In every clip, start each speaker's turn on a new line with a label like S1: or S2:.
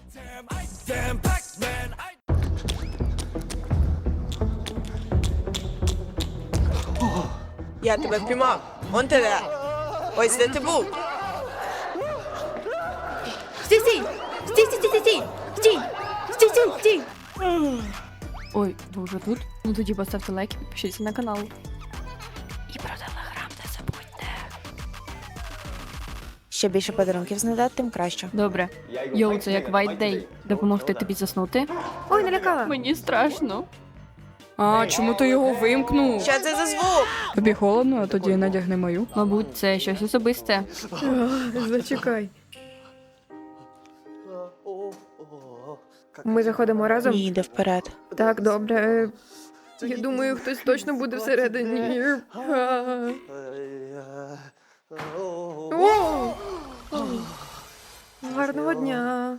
S1: Я тебе впіймав. Он ти де. Ось де ти був.
S2: Стій, стій! Стій, стій, стій, стій! Стій! Стій, стій, стій! Ой, ви вже тут? Ну тоді поставте лайк і підпишіться на канал. І про телеграм не забудьте.
S3: Що більше подарунків знайдати, тим краще.
S2: Добре. Йоу, це як White Day. Допомогти тобі заснути? Ой, налякала. Мені страшно.
S4: А, чому ти його вимкнув?
S1: Що це за звук?
S4: Тобі холодно, а тоді надягни мою.
S2: Мабуть, це щось особисте.
S4: Зачекай.
S5: Ми заходимо разом?
S3: Ні, йди вперед.
S5: Так, добре. Я думаю, хтось точно буде всередині. О! Гарного дня.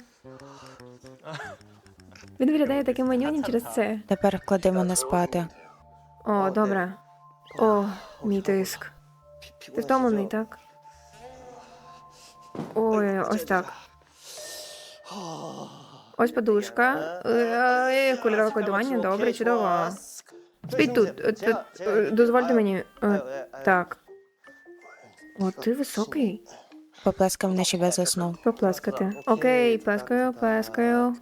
S5: Він виглядає таким манюнім через це.
S3: Тепер клади мене спати.
S5: О, добре. О, мій тиск. Ти втомлений, так? Ой, ось так. Ось подушка. Кольорове кодування, добре, чудово. Спіть тут. Дозвольте мені. Так. О, ти високий.
S3: Поплескав мене, щоб я заснув.
S5: Поплескати. Окей, плескаю, плескаю.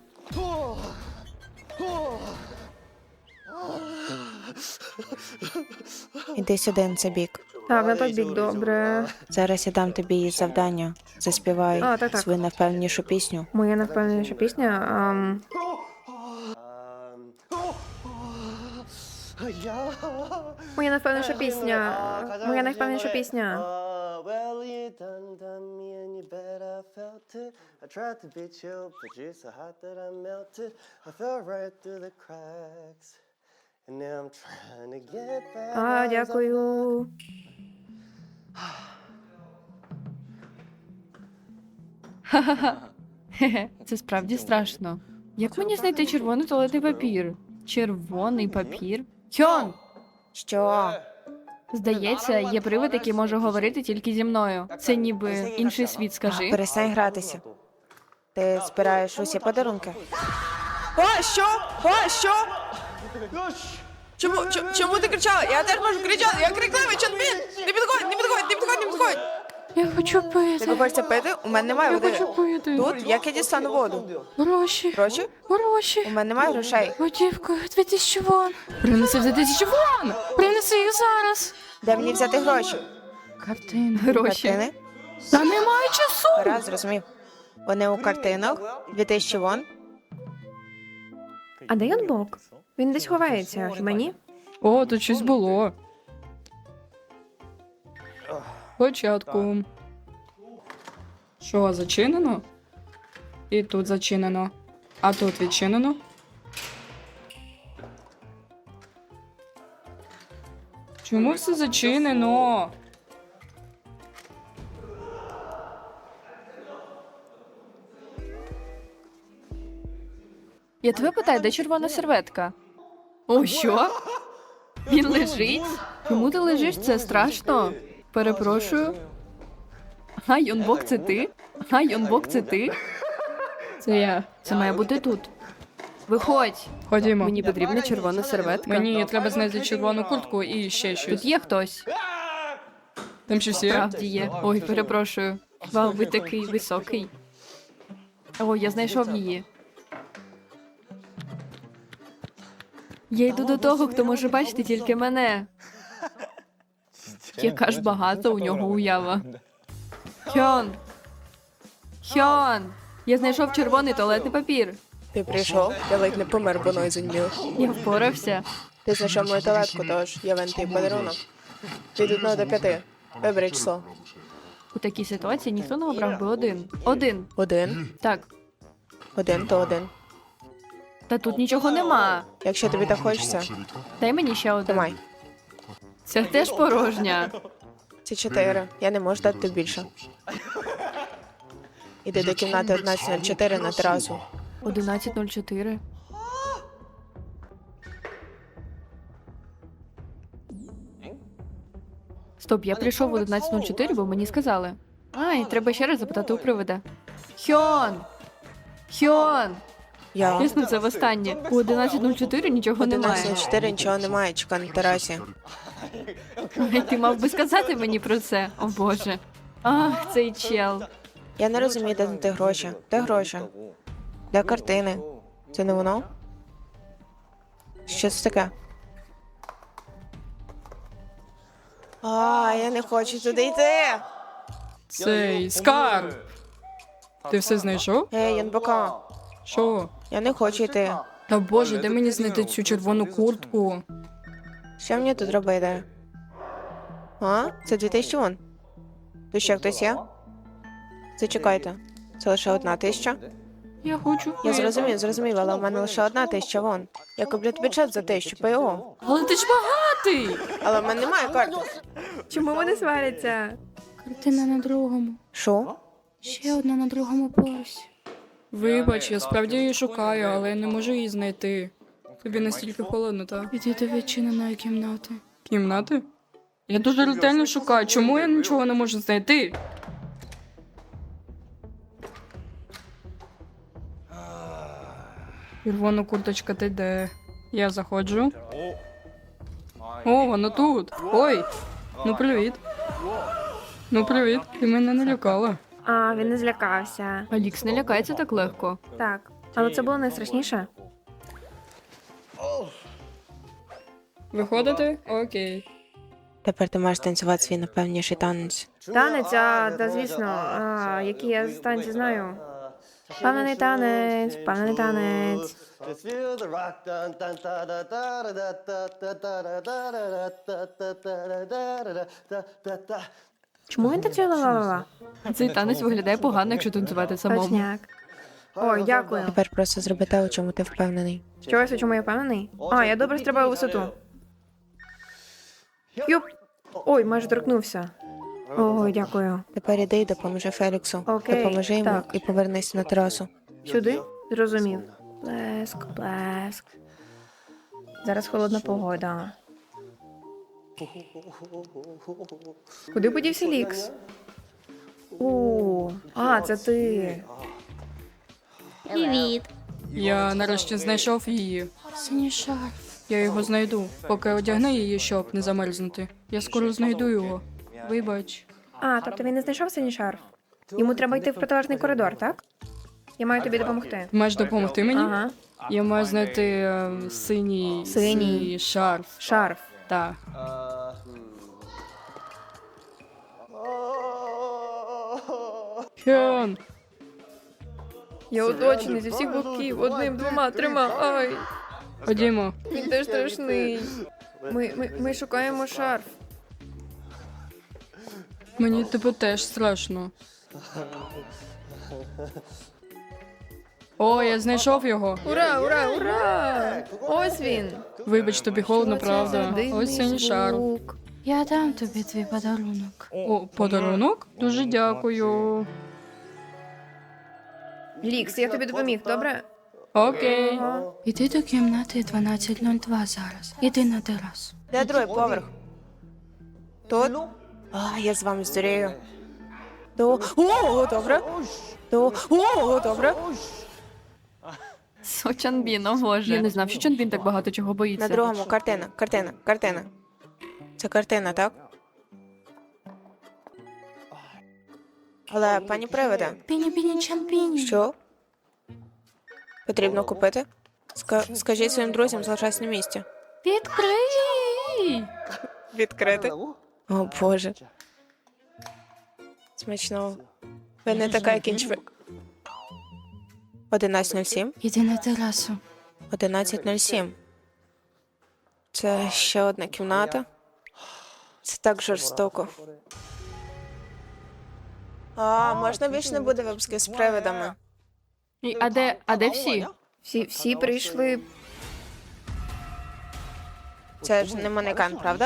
S3: Іди сюди, на цей бік.
S5: Так, на той бік, добре.
S3: Зараз я дам тобі завдання. Заспівай
S5: А, так.
S3: свою найвпевненішу пісню.
S5: Моя найвпевненіша пісня. Моя найвпевненіша пісня. Моя найвпевненіша пісня.
S6: Well, you done me and you bet I felt it. I tried to beat you, but you're so hot that I melted. I fell right through the cracks. And now I'm trying to get back.
S5: Дякую.
S2: Хе-хе, це справді страшно. Як мені знайти червоний туалетний папір? Червоний папір? Хьон!
S3: Що?
S2: Здається, є привид, який може говорити тільки зі мною. Це ніби інший світ, скажи.
S3: Перестань гратися. Ти збираєш усі подарунки.
S1: О, що? О, що? Чому ти кричала? Я теж можу кричати. Я крикливий, Чонбін! Не підходь, не підходь, не підходь, не підходь!
S2: Я хочу
S1: Тобі
S2: пити.
S1: хочеться пити? У мене немає
S2: Я
S1: води.
S2: хочу пити.
S1: Тут? Як я дістану воду?
S2: Гроші.
S1: Гроші? У
S2: Гроші.
S1: мене немає грошей.
S2: Готівка. 2000 вон. Принеси за 1000 вон. Принеси їх зараз.
S1: Де мені взяти гроші?
S2: Картини. Гроші.
S1: Картини?
S2: Та немає часу.
S1: Раз, зрозумів. Вони у картинах. 2000 вон.
S5: А де Янбок? Він десь ховається. Хіба ні?
S4: О, тут щось було. Початку. Що, зачинено? І тут зачинено. А тут відчинено. Чому все зачинено?
S2: Я тебе питаю, де червона серветка? О, що? Він лежить? Чому ти лежиш? Це страшно. Перепрошую. А, Йонбок, це ти? А, Йонбок, це ти?
S4: Це я.
S2: Це має бути тут. Виходь.
S4: Ходімо.
S2: Мені потрібна червона серветка.
S4: Мені треба знайти червону куртку і ще щось.
S2: Тут є хтось?
S4: Там щось є?
S2: Справді є. Ой, перепрошую. Вау, ви такий високий. О, я знайшов її. Я йду до того, хто може бачити тільки мене. Яка ж багата у нього уява. Хьон! Хьон! Я знайшов червоний туалетний папір.
S1: Ти прийшов? Я ледь не помер, бо ноги зоніміли.
S2: Я впорався.
S1: Ти знайшов мою талетку, тож я вен твій подарунок. Від 1 до 5. Вибери число.
S2: У такій ситуації ніхто не обрав би один. Один.
S1: 1.
S2: Так.
S1: 1 то 1.
S2: Та тут нічого нема.
S1: Якщо тобі так хочеться,
S2: Дай мені ще один.
S1: тримай.
S2: Це теж порожня.
S1: Це 4. Я не можу дати тобі більше. Іди до кімнати 1104 на терасу.
S2: 11:04. Стоп, я прийшов в 11:04, бо мені сказали. Ай, треба ще раз запитати у привида. Хьон! Хьон!
S1: Я.
S2: Ясно, це востаннє. У 11.04 нічого немає.
S1: 11.04 нічого немає, чекай на терасі.
S2: Ай, ти мав би сказати мені про це. О боже. Ах, цей чел.
S1: Я не розумію, де знайти гроші. Де гроші? Де картини? Це не воно? Що це таке? Я не хочу туди йти.
S4: Цей скарб! Ти все знайшов?
S1: Ей, Янбока,
S4: Що?
S1: я не хочу йти.
S4: Та боже, де мені знайти цю червону куртку?
S1: Що мені тут робити? Це 2000 вон. Тут ще хтось є? Зачекайте. Це лише 1000?
S4: Я хочу.
S1: Я зрозумів, але у мене лише 1000 вон. Я куплю тобі чат за 1000 ПО.
S4: Але ти ж багатий!
S1: Але в мене немає карти.
S5: Чому вони сваряться?
S4: Картина на другому.
S1: Що?
S4: Ще одна на другому поверсі. Вибач, я справді її шукаю, але я не можу її знайти. Тобі настільки холодно, так? Іди до відчиненої кімнати. Кімнати? Я дуже ретельно шукаю. Чому я нічого не можу знайти? Червона курточка, ти де? Я заходжу. О, вона тут. Ой. Ну привіт. Ну привіт. Ти мене не лякала.
S5: Він не злякався.
S2: Алікс не лякається так легко.
S5: Так. Але це було найстрашніше.
S4: Виходите? Окей.
S1: Тепер ти маєш танцювати свій найпевніший танець.
S5: Танець, та звісно. Який я з танці знаю. Впевнений танець, впевнений танець.
S6: Just feel the rock dun dun da da da da da da da da da da da.
S5: Чому він танцює ла-ла-ла?
S2: Цей танець виглядає погано, якщо танцювати самому.
S5: Точняк. Ой, дякую.
S1: Тепер просто зроби те, у чому ти впевнений.
S5: Чогось, у чому я впевнений? Я добре стрибаю у висоту. Юп. Ой, майже торкнувся. Ой, дякую.
S1: Тепер іди і допоможи Феліксу.
S5: Окей,
S1: Допоможи йому
S5: так.
S1: і повернися на терасу.
S5: Сюди? Зрозумів. Блеск, блеск. Зараз холодна погода. Куди подівся Лікс? Це ти.
S7: Привіт.
S4: Я нарешті знайшов її. Синій шарф. Я його знайду. Поки одягни її, щоб не замерзнути. Я скоро знайду його. Вибач.
S5: Тобто він не знайшов синій шарф? Йому треба йти в протилежний коридор, так? Я маю тобі допомогти.
S4: Маєш допомогти мені?
S5: Ага.
S4: Я маю знайти синій
S5: Синій.
S4: шарф.
S5: Шарф.
S4: Так. Хен.
S5: Я оточений зі всіх боків. Одним, двома, трьома. Ай.
S4: Ходімо.
S5: Він теж страшний. Ми шукаємо шарф.
S4: Мені тебе теж страшно. О, я знайшов його.
S5: Ура, ура, ура! Ось він.
S4: Вибач, тобі холодно, правда.
S5: Дивний
S4: Ось синій шарф.
S5: звук.
S7: Я дам тобі твій подарунок.
S4: О, подарунок? Дуже дякую.
S5: Лікс, я тобі допоміг, добре?
S4: Окей.
S7: Іди до кімнати 1202 зараз. Іди на терасу.
S1: Де другий поверх? Тут? Я з вами здурію. Добре. Добре.
S2: Чонбін, о боже. Я не знав, що Чонбін так багато чого боїться.
S1: На другому картина. Це картина, так? Але, пані привиде,
S7: Піні-піні чампіні.
S1: що? Потрібно купити? Скажіть своїм друзям, залишайся на місці.
S7: Відкрий!
S1: Відкрити? О, Боже. Смачного. Ви не така, як інші. 11:07?
S7: Іди на терасу.
S1: 11:07. Це ще одна кімната. Це так жорстоко. Можна більше не буде випусків з привидами.
S2: А де всі?
S5: Всі прийшли.
S1: Це ж не манекен, правда?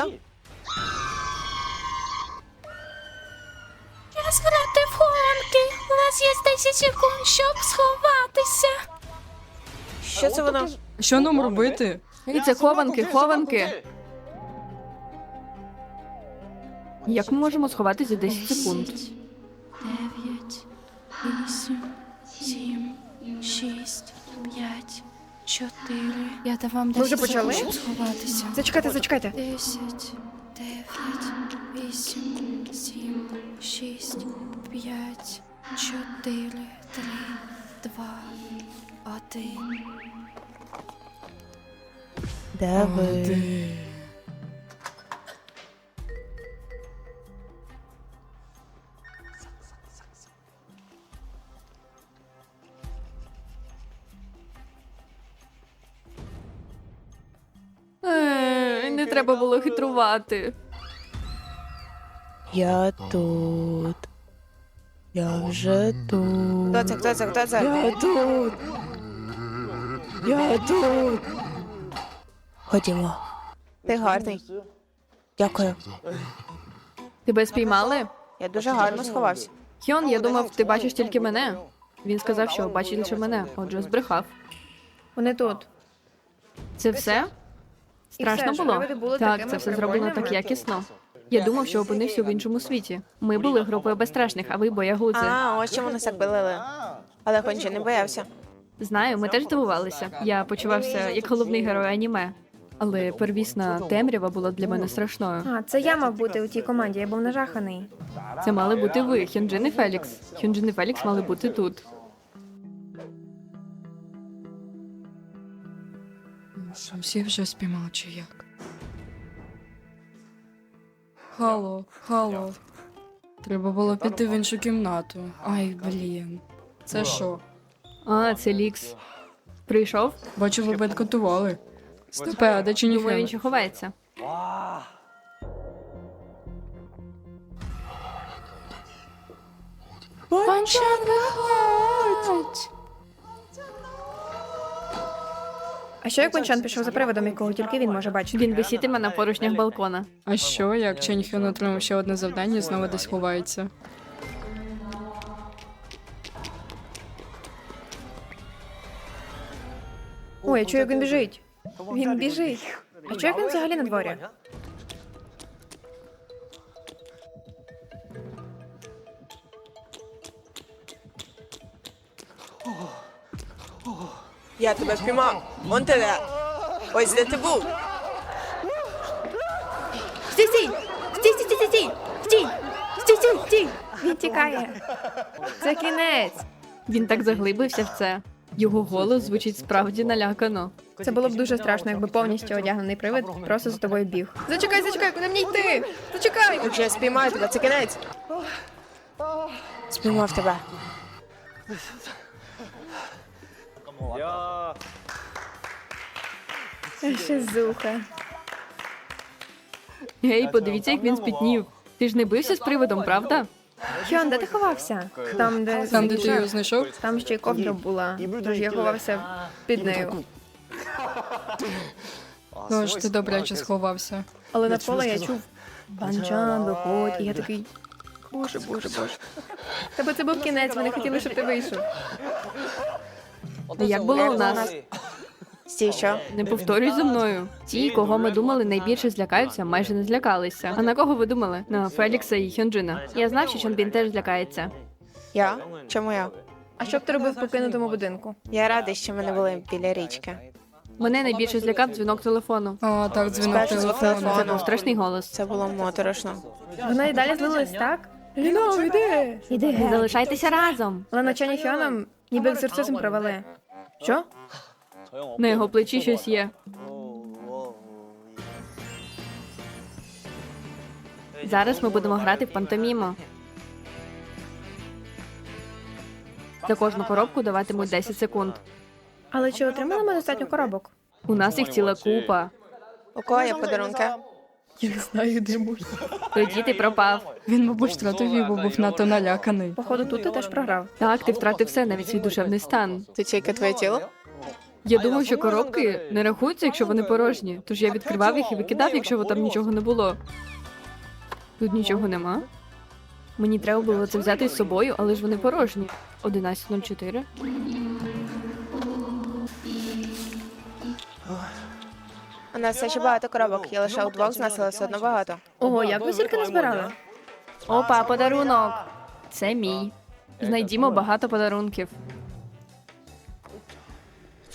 S7: Розграти в хованки. У вас є 10 секунд, щоб сховатися.
S1: Що це воно?
S4: Що нам робити?
S2: І це хованки. Як ми можемо сховатися за 10 секунд?
S7: 9, 8, 7, 6, 5, 4. Я давав
S5: Ви вже
S7: 10
S5: почали?
S7: секунд, щоб сховатися.
S5: Зачекайте, зачекайте.
S7: 10, 9, 8, 7, 6, 5, 4, 3, 2, 1.
S3: Де ви?
S2: Не треба було хитрувати.
S3: Я тут. Я вже тут.
S1: Хто це? Хто це? Хто це?
S3: Я тут. Я тут. Ходімо.
S1: Ти гарний.
S3: Дякую.
S2: Тебе спіймали?
S1: Я дуже гарно сховався.
S2: Хьон, я думав, ти бачиш тільки мене. Він сказав, що бачить лише мене, отже, збрехав.
S5: Вони тут.
S2: Це все? Страшно
S5: все,
S2: було?
S5: привиди були
S2: Так,
S5: такими
S2: це все зроблено так
S5: прикольними.
S2: якісно. Я думав, що опинився в іншому світі. Ми були групою безстрашних, а ви боягузи.
S1: А, ось чому нас так пилили. Але Хончі не боявся.
S2: Знаю, ми теж здивувалися. Я почувався як головний герой аніме. Але первісна темрява була для мене страшною.
S5: А, це я мав бути у тій команді, я був нажаханий.
S2: Це мали бути ви, Хьонджин і Фелікс. Хьонджин і Фелікс мали бути тут.
S4: Що, всі вже спіймали чи як? Хало, хало. Треба було піти в іншу кімнату. Ай, блін. Це що?
S2: А, це Лікс. Прийшов?
S4: Бачу, ви бенкотували. Стопе, а де
S2: Думаю,
S4: Ченіфен?
S2: він ще ховається.
S7: Панчан, виходь!
S5: А що як Вончан пішов за приводом, якого тільки він може бачити?
S2: Він висітиме на поручнях балкона.
S4: А що, як Ченіфен отримав ще одне завдання і знову десь ховається?
S5: Ой, я чую, як він біжить. Він біжить. А чого як він взагалі на дворі?
S1: Я тебе спіймав. Вон ти де. Ось де ти був.
S5: Стій, стій! Стій, стій, стій, стій! Стій! Стій, стій, стій! Він тікає. Це кінець.
S2: Він так заглибився в це. Його голос звучить справді налякано.
S5: Це було б дуже страшно, якби повністю одягнений привид просто за тобою біг. Зачекай, зачекай, куди мені йти? Зачекай!
S1: Якщо я спіймаю тебе, це кінець. Спіймав тебе.
S5: Ще зуха.
S2: Гей, подивіться, як він спітнів. Ти ж не бився з привидом, правда?
S5: Хьон, де ти ховався?
S4: Там, де ти його знайшов?
S5: Там ще й ковдра була, тож я ховався під нею.
S4: Тож ти добряче сховався.
S5: Але навколо я чув Панчан, виходь, і я такий. Боже, боже, боже. Тебе це був кінець, ми не хотіли, щоб ти вийшов.
S2: Як було у нас?
S1: Стій, що?
S2: Не повторюй за мною. Ті, кого ми думали найбільше злякаються, майже не злякалися. А на кого ви думали? На Фелікса і Хьонджина. Я знав, що Чонбін теж злякається.
S1: Я? Чому я?
S5: А що б ти робив в покинутому будинку?
S1: Я радий, що ми не були біля річки.
S2: Мене найбільше злякав дзвінок телефону.
S4: А, так, дзвінок
S1: Спершу звук
S4: телефону.
S1: телефону.
S2: Це був страшний голос.
S1: Це було моторошно.
S5: Вона і далі злилась, так? Ліно, йди! Іди
S2: Не
S5: геть.
S2: залишайтеся разом.
S5: Але навчання Хьоном ніби екзорцизм провели. Що?
S2: На його плечі щось є. Зараз ми будемо грати в пантоміму. За кожну коробку даватимуть 10 секунд.
S5: Але чи отримали ми достатньо коробок?
S2: У нас їх ціла купа.
S1: У кого є подарунки?
S4: Я не знаю, де можна.
S2: Тоді ти пропав.
S4: Він, мабуть, втратив її, бо був надто наляканий.
S5: Походу, тут ти теж програв.
S2: Так, ти втратив все, навіть свій душевний стан.
S1: Це тільки твоє тіло?
S2: Я думав, що коробки не рахуються, якщо вони порожні. Тож я відкривав їх і викидав, якщо там нічого не було. Тут нічого нема. Мені треба було це взяти з собою, але ж вони порожні. 11.04.
S1: У нас все ще багато коробок. Я лише удвох з нас, але все одно багато.
S5: Ого, як ви стільки назбирали?
S2: Опа, подарунок! Це мій. Знайдімо багато подарунків.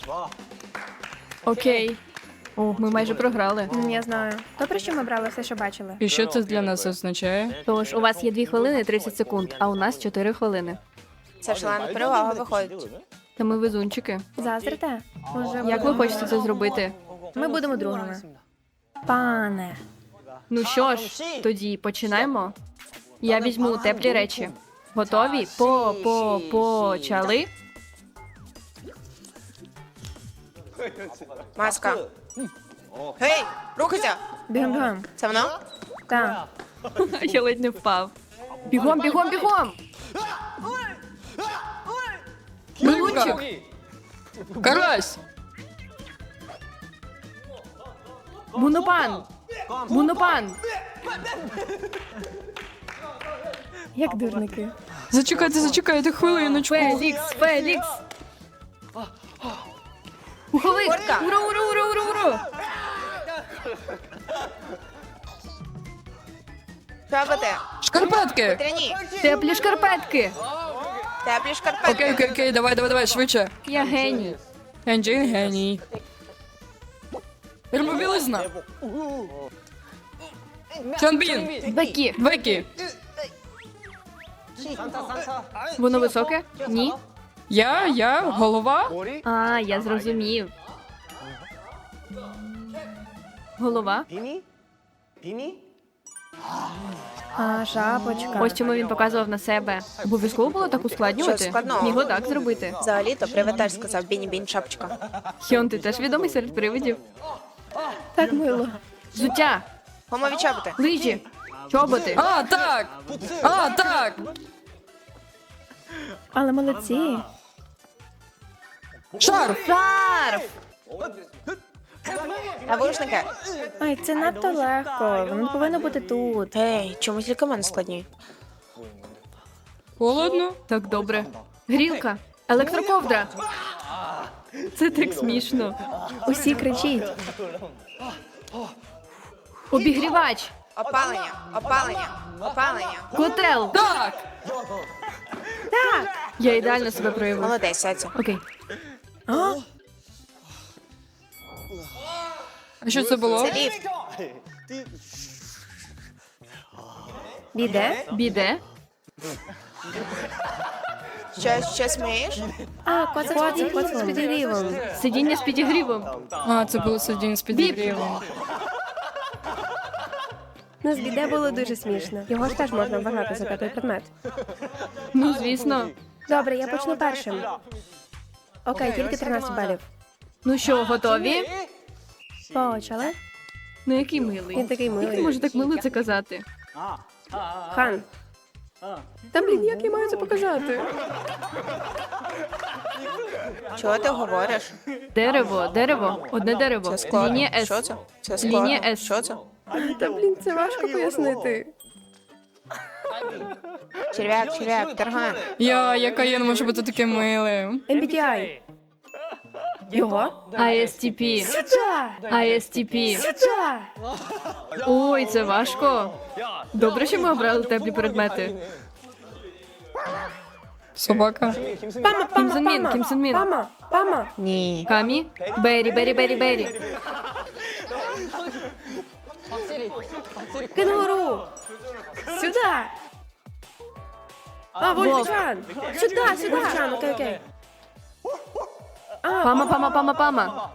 S2: Окей. О, ми майже програли.
S5: Я знаю. Добре, що ми брали все, що бачили.
S4: І що це для нас означає?
S2: Тож, у вас є 2 хвилини і 30 секунд, а у нас 4 хвилини.
S1: Це шалена перевага виходить.
S2: Та ми везунчики.
S5: Заздрите? Може,
S2: Як ви хочете це зробити?
S5: ми будемо другими. Пане.
S2: Ну що ж, тоді починаємо. Я візьму теплі речі. Готові? Почали.
S1: Маска. Гей, рухайся!
S5: Бігом-бігом.
S1: Це воно?
S5: Так.
S2: Я ледь не впав. Бігом, бігом, бігом!
S4: Блинчик! Карась!
S2: Бунопан! Бунопан!
S5: Як дурники.
S4: Зачекайте хвилиночку.
S2: Фелікс! Фелікс! Пуховик!
S1: Куртка!
S2: Ура, ура, ура, ура, ура!
S1: Чоботи!
S4: Шкарпетки!
S1: Тряні!
S2: Теплі шкарпетки!
S1: Теплі шкарпетки!
S4: Окей, давай, швидше.
S2: Я геній.
S4: Енджін геній. Термобілизна. Чонбін.
S2: Бекі.
S4: Бекі.
S2: Воно високе? Ні.
S4: Я, голова.
S2: А, я зрозумів. Голова.
S6: 비니? 비니?
S5: А, шапочка.
S2: Ось чому він показував на себе. Обов'язково було так ускладнювати?
S1: Що складного?
S2: Міг отак зробити.
S1: Взагалі-то привид теж сказав Біні-бін шапочка.
S2: Хьон, ти теж відомий серед привидів?
S5: Так мило.
S2: Взуття,
S1: Гумові чоботи!
S2: лижі, чоботи.
S4: А, так.
S5: Але молодці.
S4: Шарф.
S2: Шарф!
S1: Навушники!
S5: Ай, це надто легко. Воно повинно бути тут.
S1: Ей, чому тільки в мене складні?
S4: Холодно.
S2: Так добре. Грілка, електроковдра. Це так смішно.
S5: Усі кричіть.
S2: Обігрівач,
S1: Опалення! Опалення! Опалення!
S2: котел.
S4: Так.
S2: Я ідеально себе проявив.
S1: Молодець, Саця.
S2: Окей.
S5: А?
S4: А що це було?
S1: Це ліфт!
S5: Біде?
S2: Біде.
S1: Що смієш?
S5: А, коцик з підігрівом.
S2: Сидіння з підігрівом.
S4: А, це було сидіння з підігрівом.
S5: Ну, з біде було дуже смішно. Його ж теж можна вважати за п'ятий предмет.
S2: Ну, звісно.
S5: Добре, я почну першим. Окей, тільки 13 балів.
S2: Ну що, готові?
S5: Почали.
S2: Ну який милий.
S5: Він такий
S2: Як ти
S5: милий.
S2: можеш так мило це казати?
S5: Хан. Та блін, як я маю це показати?
S1: Чого ти говориш?
S2: Дерево, дерево, одне дерево.
S1: Це складно.
S2: Лінія С.
S1: Що це? Це складно.
S2: Лінія С.
S1: Що це?
S5: Та блін, це важко пояснити.
S1: Черв'як, тарган.
S4: Яка може бути таким милим.
S5: MBTI. Його?
S2: ISTP.
S5: Сюда!
S2: ISTP.
S5: Сюда!
S2: Ой, це важко. Добре, що ми обрали теплі предмети.
S4: Собака.
S5: Пама,
S2: Кім Сен Мін, Кім Сен Мін.
S5: Пама.
S1: Ні.
S2: Камі. Бері, бері, бері, бері.
S5: Кенгуру. Сюда! А, Вольфчан. Сюда. Вольфчан, окей.
S2: Пама, пама, пама, пама.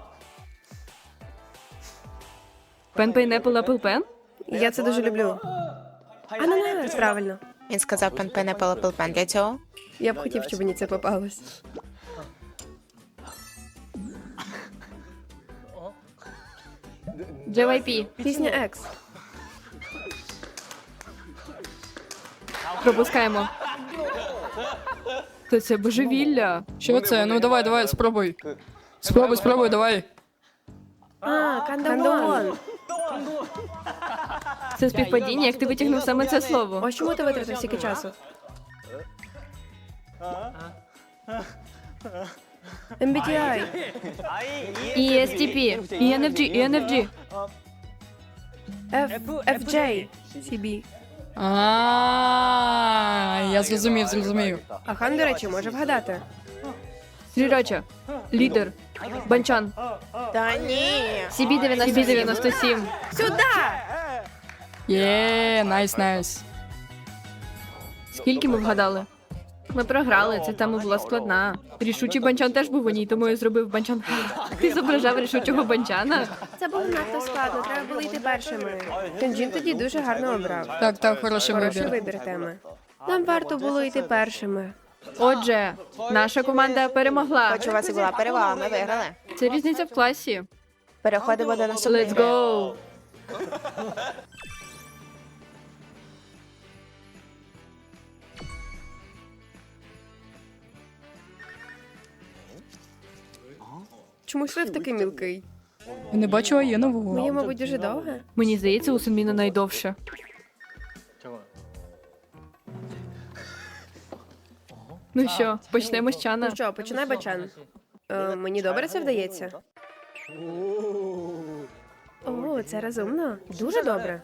S2: Пен, пейнепл, апл, пен?
S5: Я це дуже люблю. Ананас, правильно.
S1: Він сказав пен для цього.
S5: Я б хотів, щоб мені це попалось.
S2: JYP.
S5: Пісня Екс.
S2: Пропускаємо. То це божевілля.
S4: Що це? Ну давай, спробуй. Спробуй, давай.
S5: А, Кандавон.
S2: Це співпадіння, як ти витягнув саме це слово.
S5: Ось чому ти витратив стільки часу? MBTI.
S2: ESTP. ENFG, ENFG.
S5: FJ. CB.
S4: Я зрозумів.
S5: А Хан, до речі, може вгадати.
S2: Срірача. Лідер. Банчан.
S1: Та ні.
S2: CB97.
S4: Є, найс.
S2: Скільки ми вгадали? Ми програли, ця тема була складна. Рішучий банчан теж був у ній, тому я зробив банчан. Ти зображав рішучого банчана?
S5: Це було надто складно, треба було йти першими. Кенджін тоді дуже гарно обрав.
S4: Так, хороший
S5: Хороший
S4: вибір.
S5: вибір теми. Нам варто було йти першими.
S2: Отже, наша команда перемогла.
S1: Хоч у вас і була перевага, ми виграли.
S2: Це різниця в класі.
S1: Переходимо до наступної.
S2: Let's go!
S5: Чому шрифт такий мілкий?
S4: Я не бачила є нового.
S5: Моє, мабуть, дуже довге.
S2: Мені здається, у Сунміна найдовше. Ну що, почнемо з Чана.
S5: Ну що, починай, Бачан. Мені добре це вдається. О, це розумно. Дуже добре.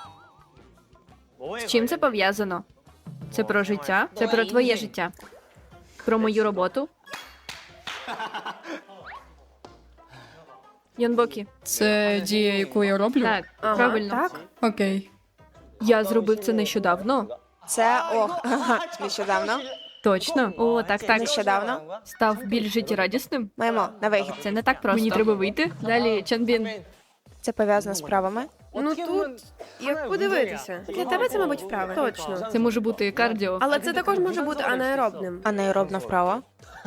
S2: З чим це пов'язано? Це про життя? Це про твоє життя. Про мою роботу? Йонбокі.
S4: Це дія, яку я роблю?
S2: Так,
S5: Ага,
S2: правильно.
S5: так?
S4: Окей.
S2: Я зробив це нещодавно.
S1: Це ох, нещодавно.
S2: Точно. О, так.
S1: Нещодавно.
S2: Став більш життєрадісним.
S1: Маємо на вихід.
S2: Це не так просто. Мені треба вийти. Далі, Чанбін.
S1: Це пов'язано з правами.
S5: Ну тут, як подивитися. Для тебе це, мабуть, вправи. Точно.
S2: Це може бути кардіо.
S5: Але це також може бути анаеробним.
S1: Анаеробна вправа.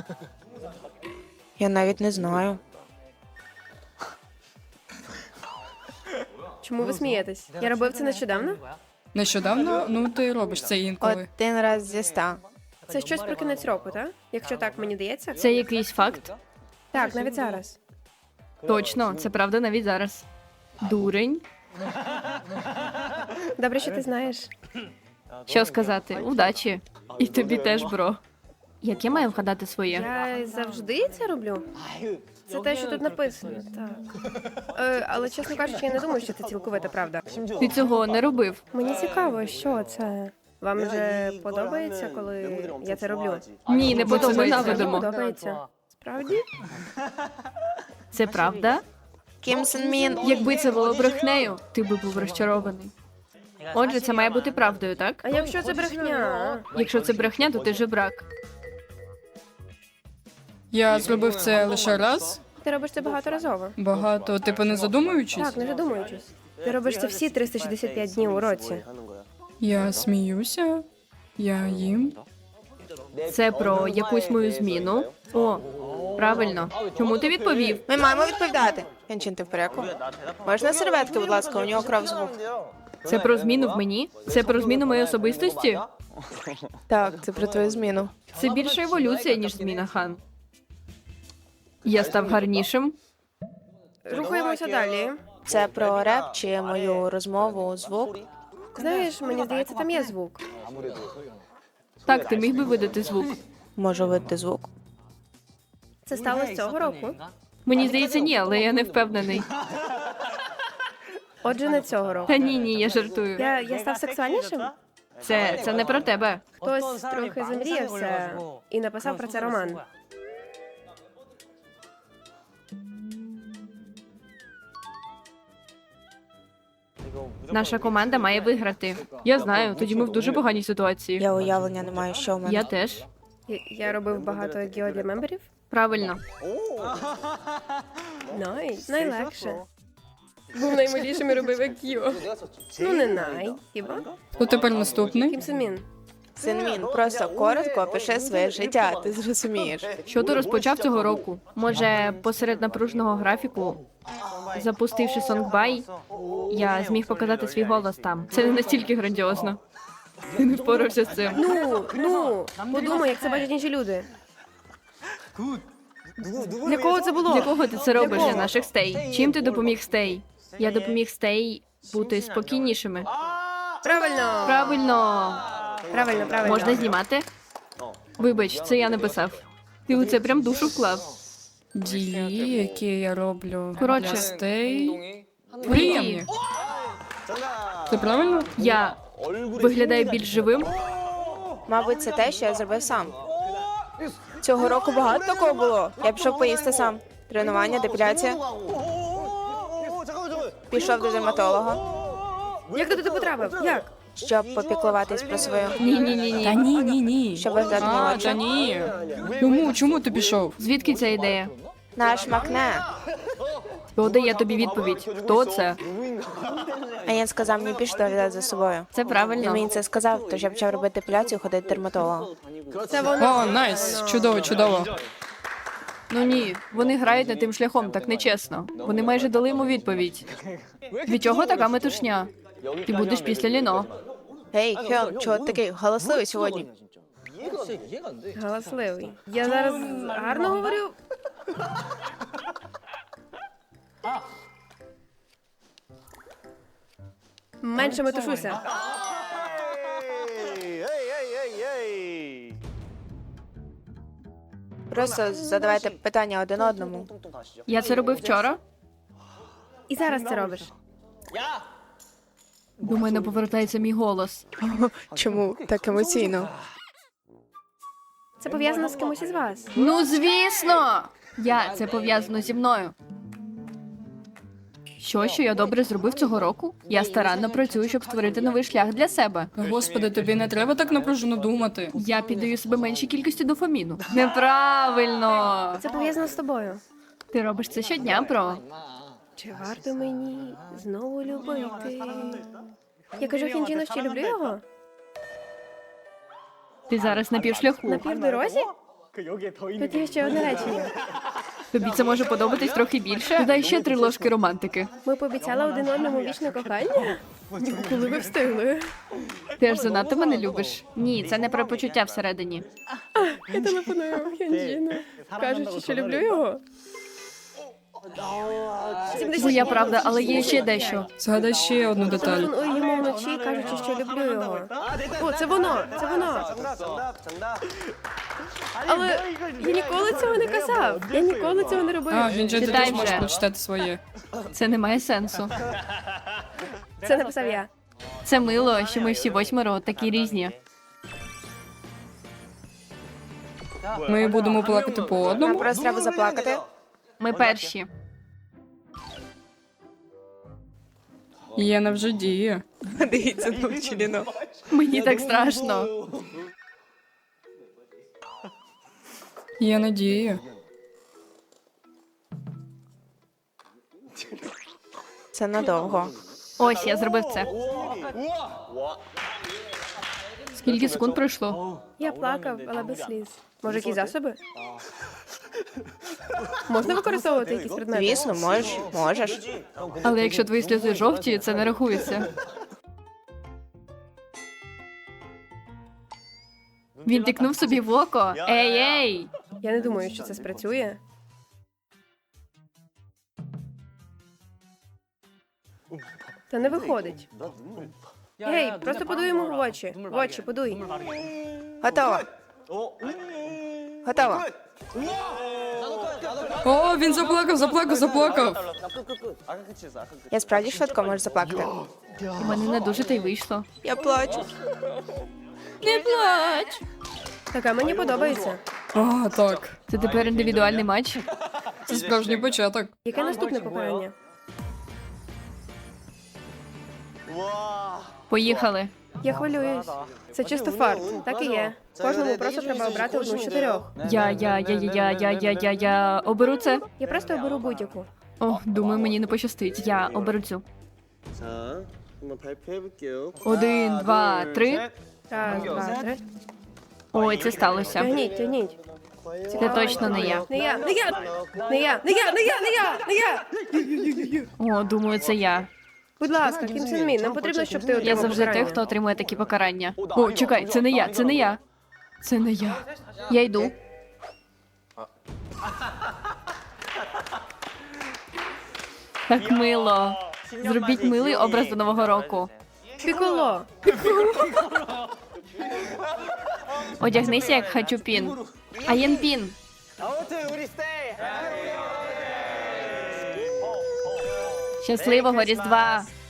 S1: Я навіть не знаю.
S5: Чому ви смієтесь? Я робив це нещодавно?
S4: Нещодавно? Ну, ти робиш це інколи.
S1: Один раз зі 100.
S5: Це щось про кінець року, так? Якщо так мені дається?
S2: Це якийсь факт?
S5: Так, навіть зараз.
S2: Точно, це правда навіть зараз. Дурень.
S5: Добре, що ти знаєш.
S2: Що сказати? Удачі. І тобі теж, бро. Як я маю вгадати своє?
S5: Я завжди це роблю. Це те, що тут написано, так. Але, чесно кажучи, я не думаю, що це цілковита правда.
S2: Ти цього не робив.
S5: Мені цікаво, що це. Вам вже подобається, коли я це роблю?
S2: Ні, не
S4: Ми це
S2: подобається.
S4: ненавидимо.
S5: Подобається. Справді?
S2: Це правда?
S1: Кім Сен Мін.
S2: Якби це було брехнею, ти би був розчарований. Отже, це має бути правдою, так?
S5: А якщо це брехня?
S2: Якщо це брехня, то ти жебрак.
S4: Я зробив це лише раз.
S5: Ти робиш це багаторазово.
S4: Багато, типу, не задумуючись.
S5: Так, не задумуючись. Ти робиш це всі 365 днів у році.
S4: Я сміюся, я їм.
S2: Це про якусь мою зміну. О, правильно. Чому ти відповів?
S1: Ми маємо відповідати. Янчин, ти в порядку? Можна серветки, будь ласка, у нього кров з губ.
S2: Це про зміну в мені? Це про зміну моєї особистості?
S1: Так, це про твою зміну.
S2: Це більше еволюція, ніж зміна, Хан. Я став гарнішим.
S5: Рухаємося далі.
S1: Це про реп чи мою розмову, звук.
S5: Знаєш, мені здається, там є звук.
S2: Так, ти міг би видати звук.
S1: Можу видати звук.
S5: Це сталося цього року.
S2: Мені здається, ні, але я не впевнений.
S5: Отже, не цього року.
S2: Та ні, я жартую.
S5: Я став сексуальнішим?
S2: Це не про тебе.
S5: Хтось трохи замріявся і написав про це роман.
S2: Наша команда має виграти. Я знаю, тоді ми в дуже поганій ситуації.
S1: Я уявлення не маю, що в мене.
S2: Я теж.
S5: Я робив багато гео для мемберів.
S2: Правильно.
S5: Найлегше. Був наймилішим і робив гео. Ну, не хіба?
S4: Хто тепер наступний?
S5: Кім Сен Мін.
S1: Сен Мін, просто коротко опиши своє життя, ти зрозумієш.
S2: Що ти розпочав цього року? Може, посеред напруженого графіку, запустивши Сонгбай, я зміг показати свій голос там. Це не настільки грандіозно. Ти не впорався з цим.
S5: Подумай, як це бачать інші люди. Для кого це було?
S2: Для кого ти це робиш?
S5: кого?
S2: Для наших стей. Чим ти допоміг стей? Я допоміг стей бути спокійнішими.
S5: Правильно.
S2: Правильно.
S5: Правильно.
S2: Можна знімати? Вибач, це я написав. Ти у це прям душу вклав.
S4: Дії, які я роблю
S2: Коротше.
S4: для стей. Приємні. Це правильно?
S2: Я виглядаю більш живим.
S1: Мабуть, це те, що я зробив сам. Цього року багато такого було. Я пішов поїсти сам. Тренування, депіляція. Пішов до дерматолога,
S5: Як ти туди потрапив? Як?
S1: щоб попіклуватись про свою,
S2: Ні-ні-ні.
S4: Та ні.
S1: щоб виглядати
S4: Та
S1: молодше.
S4: ні. Чому ти пішов?
S2: Звідки ця ідея?
S1: Наш Макне.
S2: Хто дає тобі відповідь? Хто це?
S1: А він сказав мені більше доглядати за собою.
S2: Це
S1: Він
S2: правильно.
S1: мені це сказав, тож я почав робити депіляцію, ходити до дерматолога.
S5: Це воно.
S4: О, найс, чудово.
S2: Ну ні, вони грають не тим шляхом, так нечесно. Вони майже дали йому відповідь. Від чого така метушня? Ти будеш після Ліно.
S1: Гей, Хьон, чого ти такий галасливий сьогодні?
S5: Галасливий. Я зараз гарно говорю. Менше метушуся.
S1: Просто задавайте питання один одному.
S2: Я це робив вчора.
S5: І зараз це робиш.
S2: До мене повертається мій голос.
S1: Чому так емоційно?
S5: Це пов'язано з кимось із вас.
S2: Ну, звісно! Це пов'язано зі мною. Що я добре зробив цього року? Я старанно працюю, щоб створити новий шлях для себе.
S4: Господи, тобі не треба так напружено думати.
S2: Я піддаю себе меншій кількості дофаміну. Неправильно!
S5: Це пов'язано з тобою.
S2: Ти робиш це щодня, бро.
S5: Чи варто мені знову любити? Я кажу Хінджіну, що люблю його?
S2: Ти зараз на півшляху.
S5: На півдорозі? Тут є ще одне речення.
S2: Тобі це може подобатись трохи більше? Додай ще 3 ложки романтики.
S5: Ми пообіцяли один одному вічне кохання? Коли ви встигли?
S2: Ти аж занадто мене любиш. Ні, це не про почуття всередині.
S5: Я телефоную Хінджіну, кажучи, що люблю його.
S2: Твоя правда, але є ще дещо.
S4: Згадай ще одну деталь.
S5: Телефоную йому вночі, кажучи, що люблю його. О, це воно! Це воно! Але я ніколи цього не казав. Я ніколи цього не робив.
S4: А, Гінджі, ти
S2: Читай
S4: теж можеш
S2: вже.
S4: прочитати своє.
S2: Це не має сенсу.
S5: Це написав я.
S2: Це мило, що ми всі 8 такі різні.
S4: Ми будемо плакати по
S1: Нам
S4: одному.
S1: просто треба заплакати.
S2: Ми перші.
S4: Єна вже діє.
S1: Дивіться, навчиліно.
S2: Мені так страшно.
S4: Єна діє.
S1: Це надовго.
S2: Ось, я зробив це. Скільки секунд пройшло?
S5: Я плакав, але без сліз. Може, якісь засоби? Можна використовувати якісь предмети?
S1: Звісно, можеш.
S2: Але якщо твої сльози жовті, це не рахується. Він тикнув собі в око. Ей!
S5: Я не думаю, що це спрацює. Та не виходить. Гей, просто подуй йому в очі. В очі, подуй.
S1: Готово. Готово.
S4: О, він заплакав.
S1: Я справді швидко можу заплакати.
S2: У мене не дуже та й вийшло.
S1: Я плачу.
S2: Не плач!
S5: Така мені подобається.
S4: А, так.
S2: Це тепер індивідуальний матч.
S4: Це справжній початок.
S5: Яке наступне покарання?
S2: Поїхали.
S5: Я хвилююсь. Це чисто фарт. Так і є. Кожному просто треба обрати одну з 4.
S2: Я оберу це.
S5: Я просто оберу будь-яку.
S2: О, думаю, мені не пощастить. Я оберу цю.
S6: 자, 한번 발표해볼게요.
S2: 1, 2, 3.
S5: Раз, два, три.
S2: Ой, це сталося.
S5: Тягніть, тягніть.
S2: Це точно не я.
S5: Не я, не я! Не я, не я, не я, не я, не я!
S2: О, думаю, це я.
S5: Будь ласка, Кім Сен Мін, нам потрібно, щоб ти
S2: Я
S5: отримав
S2: завжди той,
S5: покарання.
S2: хто отримує такі покарання. О, чекай, це не я, це не я. Це не я. Я йду. Так мило. Зробіть милий образ до Нового року.
S5: Піколо.
S2: Одягнися як Хачупін. Аєнпін.
S6: 아무튼 우리 스테이.
S2: Щасливого Різдва!